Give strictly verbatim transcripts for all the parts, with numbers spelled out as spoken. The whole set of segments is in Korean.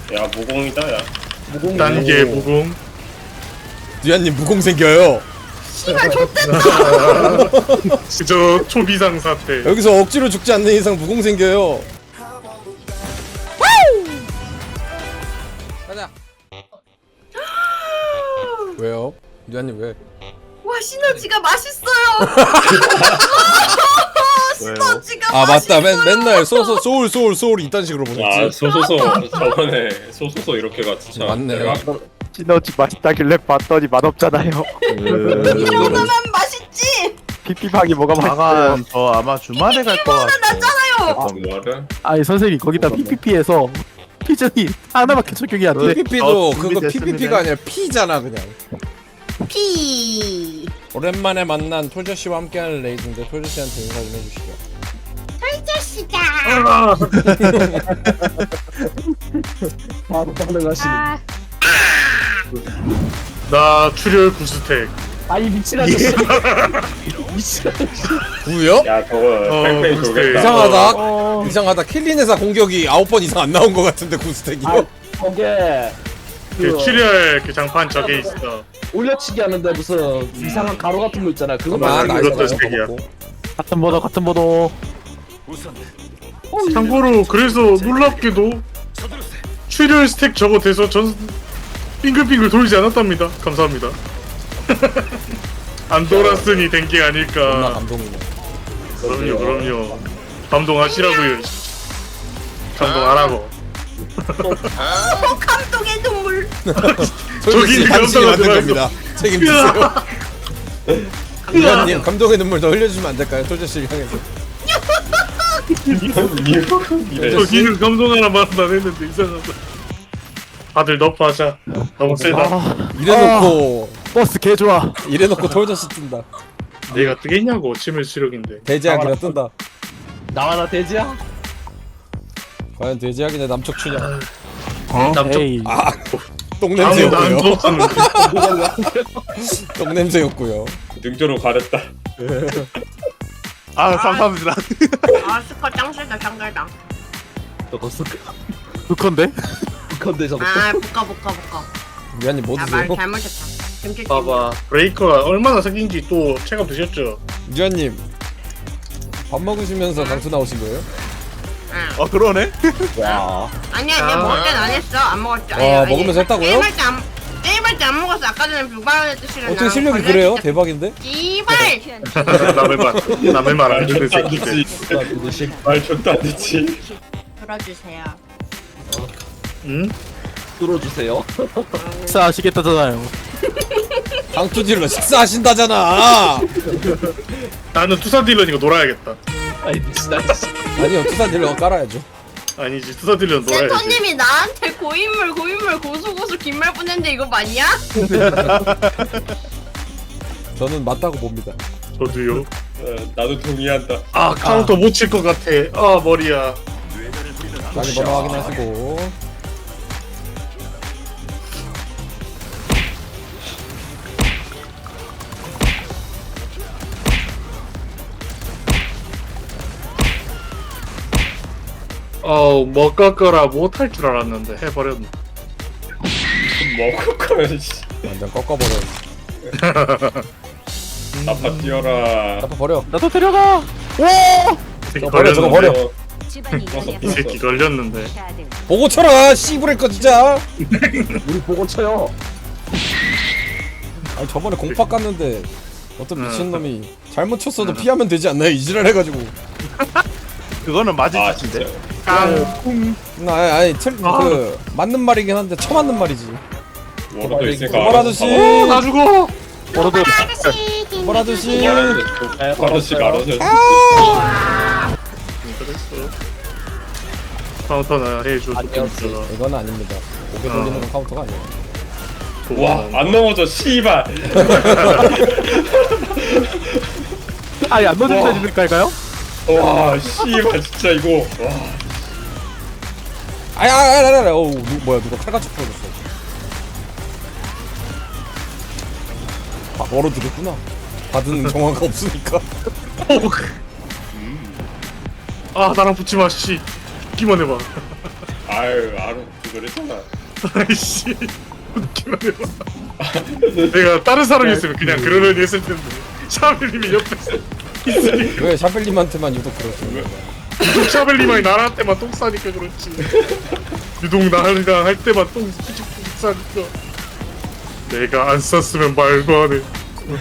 야 무공이다 야. 무공 단계 무공. 듀아님 무공 생겨요. 씨발 좆됐다. 저 초비상 사태. 여기서 억지로 죽지 않는 이상 무공 생겨요. 가자. 왜요? 듀아님 왜? 와 시너지가 맛있어요. 시너지가 아 맞다. 맛있어요. 맨, 맨날 소소 소울 소울 소울 이딴 식으로 아 보냈지. 소소소 저번에 소소소 이렇게가 진짜. 맞네. 내가 시너지 맛있다길래 봤더니 맛없잖아요. 이 정도면 맛있지. 피피방이 뭐가 맛있어요? 방안 저 아마 주말에 갈 거 같아. 났잖아요. 어떤 거를? 아니 선생님 거기다 피피피에서 피전이 하나밖에 적용이 안 돼. 피피피도 어, 그거 준비됐습니다. 피피피가 아니라 P잖아 그냥. 피. 오랜만에 만난 톨저 씨와 함께하는 레이드인데 톨저 씨한테 인사 좀 해주시죠. 털자씨가. 바로 반응하시는. 아. 나 출혈 구스택. 아이 미친 아저씨. 미친 아저씨. 구요? 야 저거 팽팽히 어, 돌겠다. 이상하다. 어. 이상하다. 킬린에서 공격이 아홉 번 이상 안 나온 것 같은데 구스택이요? 아 거기에 그 그 출혈 그 장판 저게 있어. 올려치기 하는데 무슨 이상한 가루 같은 거 있잖아. 그거 아, 맞아, 나 그것도 이거 스택이야. 먹고. 같은 번호 같은 번호. 참고로 그래서 놀랍게도 출혈 스택 저거 돼서 전 빙글빙글 돌지 않았답니다. 감사합니다. 안 돌았으니 된 게 존나 아닐까. 감동이네. 그럼요, 그럼요. 감동하시라고요. 감동하라고. 어, 감동의 눈물. 솔직히 저기 당신이 만든 감동하지 겁니다. 책임지세요. 위원님 감동의 눈물 더 흘려주면 안 될까요? 톨저 씨를 향해서. 저기는 감동하라 말도 안 했는데 이상하다. 다들 너프하자. 너무 세다. 아 이래놓고 버스 개 좋아. 이래놓고 톨저 씨 뜬다. 내가 뜨겠냐고 치밀 수력인데. 대제약이라 뜬다. 나와라 돼지야. 과연 대제약이냐 남척추냐? 남쪽 에이. 아, 아무도 안 똥냄새였고요. 줬었는데 똥냄새였고요. 능조로 가렸다. 아 감사합니다. 아 스커 짱실다 짱실다. 저거 쓱. 그건데? 건데 저거. 아 볶아 볶아 볶아. 위원님 뭐 야말 드세요? 잘못했다. 김치 봐봐. 브레이커가 얼마나 생긴지 또 체감 되셨죠? 위원님 밥 먹으시면서 강투 나오신 거예요? 응. 아 그러네. 와. 아니야 내가 먹을 땐 안 했어. 안 먹었지. 아니, 와, 아니, 먹으면서 했다고요? 게임할 때안 게임할 때 안 먹었어. 아까 전에 불발언 뜻이랑. 어떻게 실력이 그래요? 대박인데? 이발. 남의 말, 남의 말 안 듣는 새끼들. 그릇이. 말 좋다 안 듣지. 들어주세요. 응? 뚫어주세요. 식사하시겠다잖아요. 강투 딜러 식사하신다잖아. 나는 투사 딜러니까 놀아야겠다. 아이 미친 아저씨. 아니요 투사 딜러 깔아야죠. 아니지, 투사 딜러는 놀아야지. 센터님이 나한테 고인물 고인물 고수고수 긴말 보냈는데 이거 맞냐? 저는 맞다고 봅니다. 저도요. 어, 나도 동의한다. 아 카운터 못 칠 것 같아. 아 머리야. 많이 번호 확인하시고. 어우 뭐 꺾어라 못할 줄 알았는데 해버렸네. 뭐 꺾어야 씨. 완전 꺾어버려. 나파 뛰어라. 나빠 버려. 나도 데려가. 오. 저거 버려, 저거 버려. 이 새끼 걸렸는데. 보고 쳐라 씨부랄 거 진짜. 우리 보고 쳐요. 아니 저번에 공파 깠는데 어떤 응. 미친놈이 잘못 쳤어도 피하면 되지 않나요? 이지랄 해가지고. 그거는 맞을 아 짓인데. 진짜. 나 아니, 아니 틀, 그 맞는 말이긴 한데 처맞는 말이지. 워러도 있으니까. बर 아저씨. 어, 나 죽어. 버러드. 볼 아저씨. 아저씨가 알아서. 그랬어. 카운터나 해줘. 안녕하세요. 좋겠어. 이건 아닙니다. 고개 돌리는 건 카운터가 아니에요. 와, 안 넘어져, 씨발. 아니 안 넣어줄 수 있을까요? 와, 씨발, 진짜 이거. 와. 아야, 아야, 아야, 아야. 어우, 누, 뭐야, 누가 칼같이 풀어줬어. 아, 멀어 들었구나. 받은 정화가 없으니까. 아, 나랑 붙지 마, 씨. 기만 해봐. 아유 알아 그랬잖아. 아이씨 웃기만 해봐. 내가 다른 사람이었으면 그냥 그러려니 했을 텐데 샤벨님이 옆에서 있으니 왜 샤벨님한테만 유독 그러시는 거야? 유독 샤벨님이 나할 때만 똥 싸니까 그렇지. 유독 나랑 할 때만 똥 푸직푸직 싸니까 내가 안 쌌으면 말도 안 해.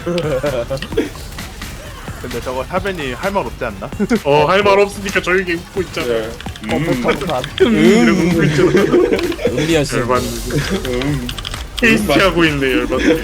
근데 저거 샤벤이 할 말 없지 않나? 어 할 말 없으니까 조용히 웃고 있잖아. 네. 음. 음 이러고 웃고 있잖아. 은리한 씨. 열받네. 테이스티 하고 있네 열받네.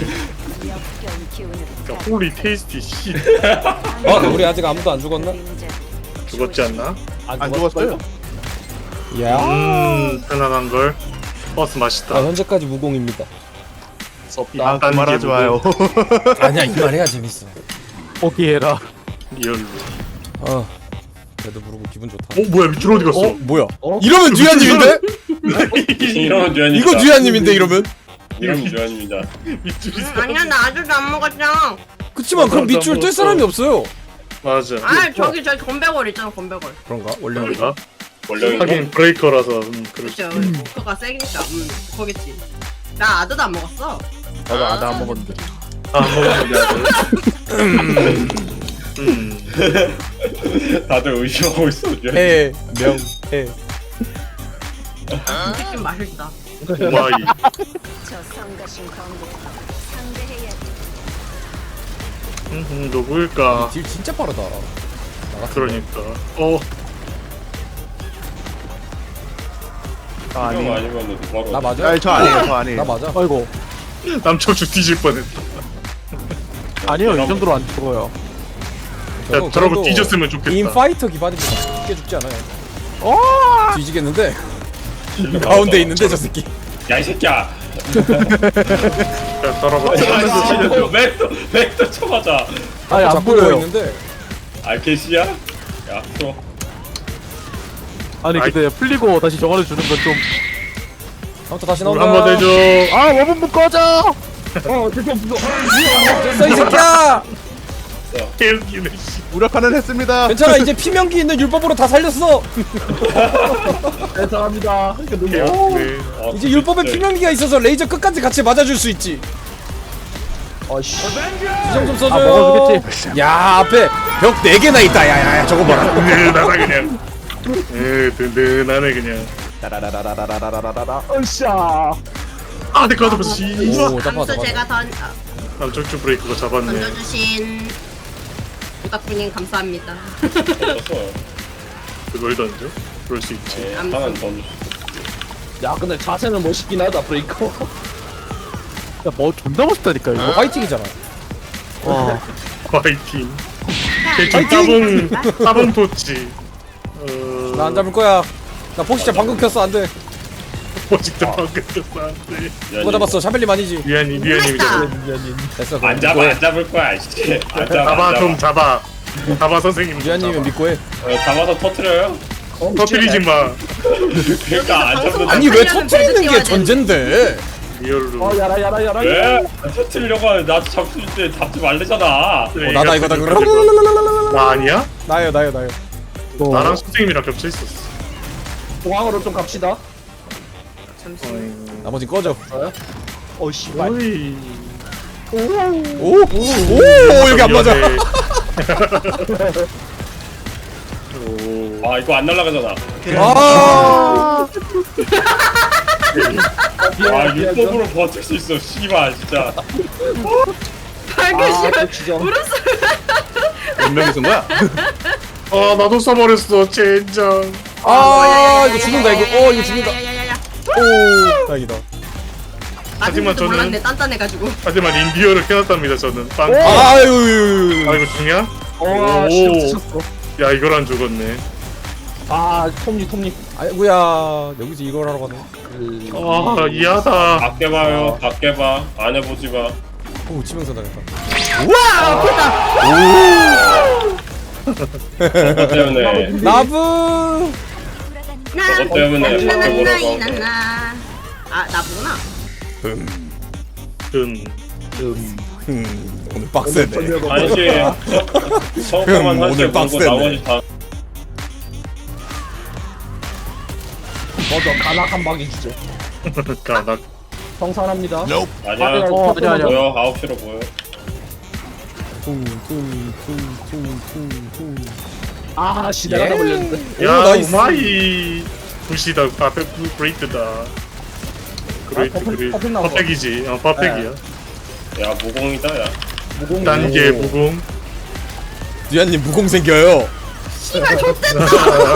홀리 테이스티 씨. 어, 우리 아직 아무도 안 죽었나? 죽었지 않나? 안 죽었어요? 야. 음 편안한 걸. 버스 아, 맛있다. 현재까지 무공입니다. 아 그만하지 마요. 아니야, 이 말 해야 재밌어. 포기해라. 리얼로. 어. 그래도 부르고 기분 좋다. 어 뭐야 밑으로 어디 갔어? 어, 뭐야? 이러면 듀야님인데? 이러면 듀안입니다. 이거 듀야님인데 이러면? 이러면 듀안입니다. 밑줄이 아니야 나 아직도 안 먹었잖아. 그치만 그럼 밑줄 뜰 사람이 없어요. 맞아. 아 저기 저기 건배걸 있잖아 건배걸. 그런가? 원래 뭔가? 원래 하긴 브레이커라서 음, 그렇지. 그쵸 모터가 세니까 음 거겠지. 나 아드도 안 먹었어. 나도 아다 안 먹었는데. 안 먹었는데 아들. 음. 다들 의심하고 있어. 듀안. 해, 명, 해. 치킨 맛있다. 오마이. 저 성가신 광부터 상대해야 음, 누구일까? 딜 진짜 빠르다. 나 그러니까. 어. 아 형 아니. 아니면 바로. 나 맞아? 아니 저 아니에요 저 아니에요. 나 맞아. 아이고 남초주 뒤질 뻔했다. 아니요 이 정도로 안 죽어요. 야, 저러고 뒤졌으면 좋겠다. 인파이터 기반입니다. 쉽게 죽지 않아요. 어. 뒤지겠는데? 가운데 있는데 저 새끼. 야이 새끼야. 야, 저러고 맥도 맥도 쳐맞아. 아니 안 자꾸 누워 보여요. 있는데. 알케시야? 야 또. 아니 근데 풀리고 다시 정화를 주는 건 좀. 아무튼 다시 물 나온다. 한번 해줘. 아 원본부 꺼져. 됐어 이 새끼야. 개웃기네 씨. 무력화는 했습니다. 괜찮아 이제 피명기 있는 율법으로 다 살렸어. 죄송합니다. 개웃기네. 어, 이제 율법에 진짜. 피명기가 있어서 레이저 끝까지 같이 맞아줄 수 있지. 어씨. 지정 좀 써줘요. 아 먹어주겠지. 야 앞에 벽 네 개나 있다. 야야야 저거 봐라. 든든하다 그냥. 에 든든하네 그냥. 라라라라라라라라라라. 으쌰. 아 내가 잡았어. 씨. 오 잡아 감수 잡아. 제가 던 아, 남초주 브레이크가 잡았네. 던져주신 부탁분님 감사합니다. 떴어. 그걸 던져? 그럴 수 있지. 네, 하나는 던져. 야 근데 자세는 멋있긴 하다 브레이커. 야뭐 존나 멋있다니까 이거. 화이팅이잖아. 와. 파이팅. 대충 따봉 따봉 토치. 어. 나 안 잡을 거야. 나 폭시자 방금 켰어 안 돼. 포직도 방금 켰어 안돼. 누가 잡았어? 샤벨님 아니지? 미안이 미안이 잡아. 됐어. 안 잡아 안 잡을 거야. 씨. 안 잡아. 잡아 안 좀 잡아. 잡아. 잡아 선생님. 좀 유한님은 잡아. 믿고 해. 어, 잡아서 터트려요? 터뜨리지 마. 그러니까 안 잡는. 아니 왜 살려면 터트리는 배드 게 띄워야 전젠데? 리얼로. 어 야라 야라 야라. 왜? 안 터트리려고 하는데 나도 잡을 때 잡지 말래잖아. 어, 나다 이거다 그럼. 나 아니야? 나요 나요 나요. 나랑 선생님이랑 겹쳐 있었어. 공항으로 좀 갑시다. 나머지 꺼져. 어 씨발. 오이. 오! 오! 여기 안 맞아. 오. 아 이거 안 날아가잖아. 아! 아 율법으로 버틸 수 있어. 씨발 진짜. 발견시면 아 진짜. 몇 명이 쓴 거야? 아 나도 써버렸어 젠장. 아, 이거 죽는다 이거. 어, 이거 죽는다. 야야야야야야. 오! 다행이다. 하지만 하지만 저는- 몰랐네 단단해가지고. 하지만 인디어를 켜놨답니다 저는. 빵. 아유. 아 이거 죽냐? 어 오. 진짜 미쳤어. 야 이걸 안 죽었네. 아 톱니 톱니. 아이고야. 여기서 이걸 하러 가네. 아 이하다. 밖에 봐요. 밖에 봐. 안 해보지 마. 오, 치명서 당했다. 그것 때문에. 나브! 저것 때문에 밖에 보라고 한 거야. 나나나나나나. 아 나보구나. 음. 음, 오늘 빡세네. 아니지. 처음만 음, 할때 오늘 보고 빡세네. 나머지 다. 먼저 가락 한 방에 주죠. 가나 성산합니다. 아니야. 어, 아니야, 아니야. 보여. 아홉 시로 보여. 퉁퉁퉁퉁퉁퉁. 아, 씨, 내가 다 걸렸는데. 야 오, 나이스. 오마이 굿이다. 아 그레이트다. 그레이트 아, 퍼펙- 그레이트 퍼펙 나온 거. 퍼펙이지. 어 퍼펙이야. 야 무공이다. 야. 무공 단계 무공. 뉘아님 무공 생겨요. 씨발 좆됐다.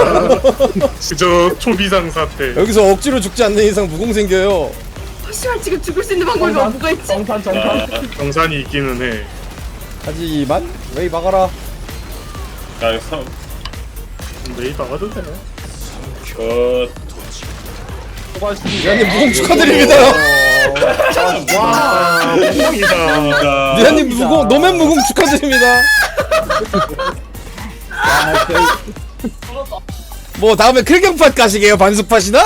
그저 초비상 사태. 여기서 억지로 죽지 않는 이상 무공 생겨요. 씨발 지금 죽을 수 있는 방법이 정산, 뭐가 있지? 정산, 정산. 야, 경산이 있기는 해. 하지만 웨이 막아라. 야 이거 메이 박아도 되나? 그 수고하셨습니다. 뉘아님 무공 축하드립니다. 와 무공이다. 자, 뉘아님 무공 노맨 무공 축하드립니다. 뭐 다음에 클경팟 가시게요? 반숙팟이나?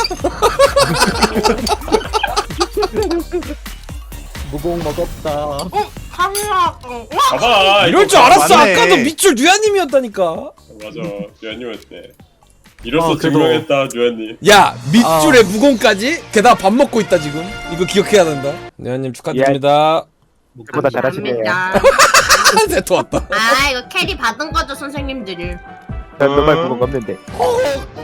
무공 먹었다. 어? 강락. 어? 와! 봐봐. 이럴 이거 줄 알았어. 맞네. 아까도 밑줄 뉘아님이었다니까. 맞아. 류현님이었대. 이로써 어, 그래도- 증명했다 류현님. 야 밑줄에 무공까지? 게다가 밥 먹고 있다 지금. 이거 기억해야 된다. 뉘아님 축하드립니다. 보다 잘하시네요. 감사합니다. 세트 왔다. 아 이거 캐리 받은 거죠 선생님들이. 난 너말 부분 없는데.